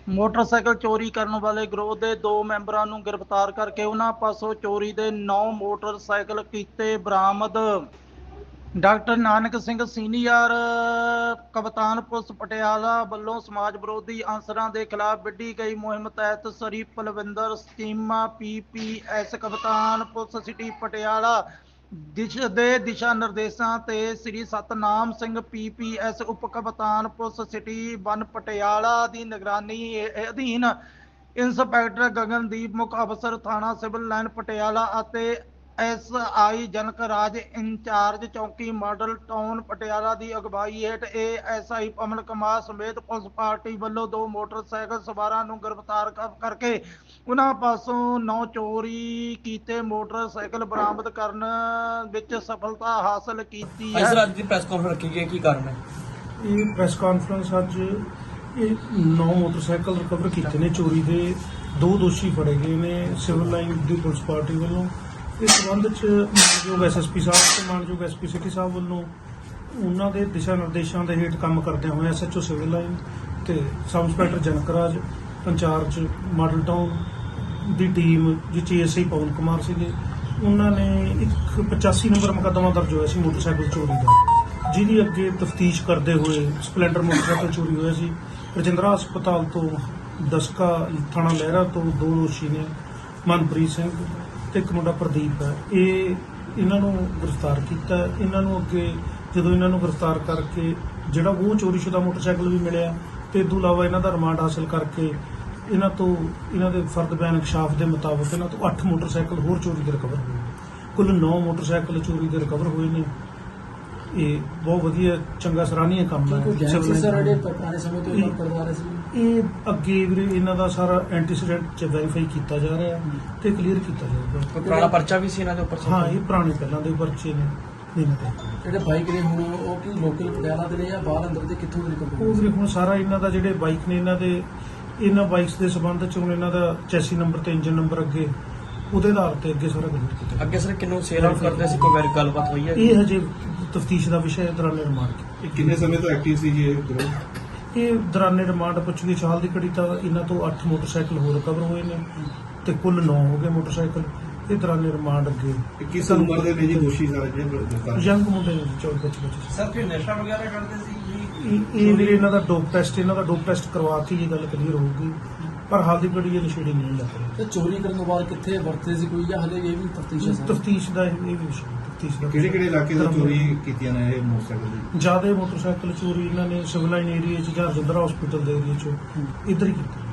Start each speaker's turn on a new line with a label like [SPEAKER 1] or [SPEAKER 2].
[SPEAKER 1] Motorcycle ਚੋਰੀ ਕਰਨ ਵਾਲੇ ਗਰੋਹ ਦੇ 2 ਮੈਂਬਰਾਂ ਨੂੰ ਗ੍ਰਿਫਤਾਰ ਕਰਕੇ ਉਹਨਾਂ ਪਾਸੋਂ ਚੋਰੀ ਦੇ 9 ਮੋਟਰਸਾਈਕਲ ਕੀਤੇ ਬਰਾਮਦ। ਡਾਕਟਰ ਨਾਨਕ ਸਿੰਘ ਸੀਨੀਅਰ ਕਪਤਾਨ ਪੁਲਿਸ ਪਟਿਆਲਾ ਵੱਲੋਂ ਸਮਾਜ ਵਿਰੋਧੀ ਅਨਸਰਾਂ ਦੇ ਖਿਲਾਫ ਵਿੱਢੀ ਗਈ ਮੁਹਿੰਮ ਤਹਿਤ ਸ੍ਰੀ ਪਲਵਿੰਦਰ ਚੀਮਾ PPS ਕਪਤਾਨ ਪੁਲਿਸ ਸਿਟੀ ਪਟਿਆਲਾ ਦਿਸ਼ਾ ਨਿਰਦੇਸ਼ਾਂ ਤੇ ਸ੍ਰੀ ਸਤਨਾਮ ਸਿੰਘ PPS ਉਪ ਕਪਤਾਨ ਪੁਲਿਸ ਸਿਟੀ 1 ਪਟਿਆਲਾ ਦੀ ਨਿਗਰਾਨੀ ਅਧੀਨ ਇੰਸਪੈਕਟਰ ਗਗਨਦੀਪ ਮੁੱਖ ਅਫਸਰ ਥਾਣਾ ਸਿਵਲ ਲਾਈਨ ਪਟਿਆਲਾ ਅਤੇ SI ਜਨਕ ਰਾਜ ਇੰਚਾਰਜ ਚੌਕੀ ਮਾਡਲ ਟਾਊਨ ਪਟਿਆਲਾ ਦੀ ਅਗਵਾਈ ਹੇਠ ASI ਅਮਨ ਕੁਮਾਰ ਸਮੇਤ ਪੁਲਿਸ ਪਾਰਟੀ ਵੱਲੋਂ 2 ਮੋਟਰਸਾਈਕਲ ਸਵਾਰਾਂ ਨੂੰ ਗ੍ਰਿਫਤਾਰ ਕਰਕੇ ਉਹਨਾਂ ਪਾਸੋਂ 9 ਚੋਰੀ ਕੀਤੇ ਮੋਟਰਸਾਈਕਲ ਬਰਾਮਦ ਕਰਨ ਵਿੱਚ ਸਫਲਤਾ ਹਾਸਲ ਕੀਤੀ ਹੈ।
[SPEAKER 2] ਸਰ ਅੱਜ ਦੀ ਪ੍ਰੈਸ ਕਾਨਫਰੰਸ ਰੱਖੀ ਗਈ, ਕੀ ਕਾਰਨ ਹੈ?
[SPEAKER 3] ਇਹ ਪ੍ਰੈਸ ਕਾਨਫਰੰਸ ਅੱਜ ਇਹ 9 ਮੋਟਰਸਾਈਕਲ ਰਿਕਵਰ ਕੀਤੇ ਨੇ। ਚੋਰੀ ਦੇ 2 ਦੋਸ਼ੀ ਫੜੇ ਗਏ ਨੇ ਸਿਵਲ ਲਾਈਨ ਦੀ ਪੁਲਿਸ ਪਾਰਟੀ ਵੱਲੋਂ। ਇਸ ਸੰਬੰਧ 'ਚ ਮਾਨਯੋਗ SSP ਸਾਹਿਬ ਤੇ ਮਾਨਯੋਗ SP ਸਿਟੀ ਸਾਹਿਬ ਵੱਲੋਂ ਉਹਨਾਂ ਦੇ ਦਿਸ਼ਾ ਨਿਰਦੇਸ਼ਾਂ ਦੇ ਹੇਠ ਕੰਮ ਕਰਦਿਆਂ ਹੋਏ SHO ਸਿਵਲ ਲਾਈਨ ਤੇ sub inspector Janak Raj incharge model town ਦੀ ਟੀਮ ਜਿਸ ASI ਪਵਨ ਕੁਮਾਰ ਸੀਗੇ, ਉਹਨਾਂ ਨੇ ਇੱਕ 85 ਨੰਬਰ ਮੁਕੱਦਮਾ ਦਰਜ ਹੋਇਆ ਸੀ ਮੋਟਰਸਾਈਕਲ ਚੋਰੀ ਦਾ, ਜਿਹਦੀ ਅੱਗੇ ਤਫਤੀਸ਼ ਕਰਦੇ ਹੋਏ ਸਪਲੈਂਡਰ ਮੋਟਰਸਾਈਕਲ ਚੋਰੀ ਹੋਇਆ ਸੀ। ਰਜਿੰਦਰਾ ਹਸਪਤਾਲ ਤੋਂ ਦਸਕਾ ਥਾਣਾ ਲਹਿਰਾ ਤੋਂ 2 ਦੋਸ਼ੀ ਨੇ, ਮਨਪ੍ਰੀਤ ਸਿੰਘ ਤੇ ਇੱਕ ਮੁੰਡਾ ਪ੍ਰਦੀਪ ਹੈ। ਇਹਨਾਂ ਨੂੰ ਗ੍ਰਿਫਤਾਰ ਕੀਤਾ। ਇਹਨਾਂ ਨੂੰ ਅੱਗੇ ਜਦੋਂ ਇਹਨਾਂ ਨੂੰ ਗ੍ਰਿਫਤਾਰ ਕਰਕੇ ਜਿਹੜਾ ਉਹ ਚੋਰੀਸ਼ੁਦਾ ਮੋਟਰਸਾਈਕਲ ਵੀ ਮਿਲਿਆ ਤੇ ਇਸ ਤੋਂ ਇਲਾਵਾ ਇਹਨਾਂ ਦਾ ਰਿਮਾਂਡ ਹਾਸਲ ਕਰਕੇ ਇਹਨਾਂ ਦੇ ਫਰਦ ਬਿਆਨ ਇਨਕਸ਼ਾਫ ਦੇ ਮੁਤਾਬਕ ਇਹਨਾਂ ਤੋਂ 8 ਮੋਟਰਸਾਈਕਲ ਹੋਰ ਚੋਰੀ ਦੇ ਰਿਕਵਰ ਹੋਏ। ਕੁੱਲ 9 ਮੋਟਰਸਾਈਕਲ ਚੋਰੀ ਦੇ ਰਿਕਵਰ ਹੋਏ ਨੇ। ਇਹ ਬਹੁਤ ਵਧੀਆ ਚੰਗਾ ਸਰਾਹਨੀय ਕੰਮ ਹੈ। ਇਹ ਅੱਗੇ ਵੀਰੇ ਇਹਨਾਂ ਦਾ ਸਾਰਾ ਐਂਟੀਸੀਡੈਂਟ ਚ ਵੈਰੀਫਾਈ ਕੀਤਾ ਜਾ ਰਿਹਾ ਤੇ ਕਲੀਅਰ ਕੀਤਾ ਜਾਊਗਾ।
[SPEAKER 2] ਪੁਰਾਣਾ ਪਰਚਾ ਵੀ ਸੀ ਇਹਨਾਂ ਦੇ ਉੱਪਰ?
[SPEAKER 3] ਹਾਂ, ਇਹ ਪੁਰਾਣੇ ਪਹਿਲਾਂ ਦੇ ਪਰਚੇ ਨੇ ਇਹਨਾਂ ਦੇ।
[SPEAKER 4] ਜਿਹੜੇ ਬਾਈਕ ਨੇ ਹੁਣ ਉਹ ਕੀ ਲੋਕਲ ਪਟਿਆਲਾ ਦੇ ਨੇ ਜਾਂ ਬਾਹਰ ਅੰਦਰ ਦੇ ਕਿੱਥੋਂ ਦੇ ਨਿਕਲਦੇ?
[SPEAKER 3] ਉਹ ਵੀਰੇ ਹੁਣ ਸਾਰਾ ਇਹਨਾਂ ਦਾ ਜਿਹੜੇ ਬਾਈਕ ਨੇ ਇਹਨਾਂ ਬਾਈਕਸ ਦੇ ਸੰਬੰਧ ਚ ਹੁਣ ਇਹਨਾਂ ਦਾ ਚੈਸੀ ਨੰਬਰ ਤੇ ਇੰਜਨ ਨੰਬਰ ਅੱਗੇ ਉਹਦੇ ਆਧਾਰ ਤੇ ਅੱਗੇ ਸਾਰਾ ਕਲੀਅਰ ਕੀਤਾ।
[SPEAKER 2] ਅੱਗੇ ਸਰ ਕਿੰਨੂੰ ਸੇਲ ਆਊਟ ਕਰਦੇ ਸੀ, ਕੋਈ ਗੱਲਬਾਤ ਹੋਈ ਹੈ?
[SPEAKER 3] ਇਹ ਹਜੇ ਤਫਤੀਸ਼ ਦਾ ਵਿਸ਼ਾ ਹੈ। ਦੌਰਾਨੇ ਰਿਮਾਂਡ
[SPEAKER 5] ਕਿੰਨੇ ਸਮੇਂ ਤੋਂ ਐਕਟਿਵ ਸੀ ਜੀ
[SPEAKER 3] ਇਹ ਦੌਰਾਨੇ ਰਿਮਾਂਡ ਪੁੱਛਗਿੱਛ ਹਾਲ ਦੀ ਘੜੀ ਤਾਂ ਇਹਨਾਂ ਤੋਂ 8 ਮੋਟਰਸਾਈਕਲ ਹੋਰ ਰਿਕਵਰ ਹੋਏ ਨੇ ਤੇ ਕੁੱਲ 9 ਹੋ ਗਏ ਮੋਟਰਸਾਈਕਲ। ਇਹ ਦੌਰਾਨੇ ਰਿਮਾਂਡ ਅੱਗੇ
[SPEAKER 5] ਕਿਸ ਉਮਰ ਦੇ ਨੇ ਜੀ ਦੋਸ਼ੀ ਸਾਰੇ ਜਿਹੜੇ
[SPEAKER 3] ਯੰਗ ਮੁੰਡੇ ਨੇ 24-25।
[SPEAKER 4] ਸਰ ਕੋਈ ਨਸ਼ਾ ਵਗੈਰਾ ਕਰਦੇ ਸੀ ਜੀ?
[SPEAKER 3] ਇਹ ਵੀਰੇ ਇਹਨਾਂ ਦਾ ਡੋਪ ਟੈਸਟ ਕਰਵਾ ਕੇ ਇਹ ਗੱਲ ਕਲੀਅਰ ਹੋਊਗੀ, ਪਰ ਹਾਲ ਦੀ ਘੜੀ ਇਹ ਨਸ਼ੇੜੀ ਨਹੀਂ ਲੱਗ ਰਹੀ।
[SPEAKER 4] ਤੇ ਚੋਰੀ ਕਰਨ ਤੋਂ ਬਾਅਦ ਕਿੱਥੇ ਵਰਤੇ ਸੀ ਕੋਈ ਜਾਂ ਹਲੇ ਇਹ ਵੀ ਤਫਤੀਸ਼ ਹੈ?
[SPEAKER 3] ਤਫਤੀਸ਼ ਦਾ ਇਹ ਵੀ ਵਿਸ਼ਾ ਤਫਤੀਸ਼ ਦਾ।
[SPEAKER 5] ਕਿਹੜੇ ਇਲਾਕੇ ਤੋਂ ਚੋਰੀ ਕੀਤੀਆਂ ਨੇ ਇਹ ਮੋਟਰਸਾਈਕਲ ਦੀ?
[SPEAKER 3] ਜ਼ਿਆਦਾ ਮੋਟਰਸਾਈਕਲ ਚੋਰੀ ਇਹਨਾਂ ਨੇ ਸਿਵਲ ਲਾਈਨ ਏਰੀਆ 'ਚ ਜਾਂ ਰਜਿੰਦਰਾ ਹਸਪੀਟਲ ਦੇ ਏਰੀਆ 'ਚ ਇੱਧਰ ਹੀ ਕੀਤੀ।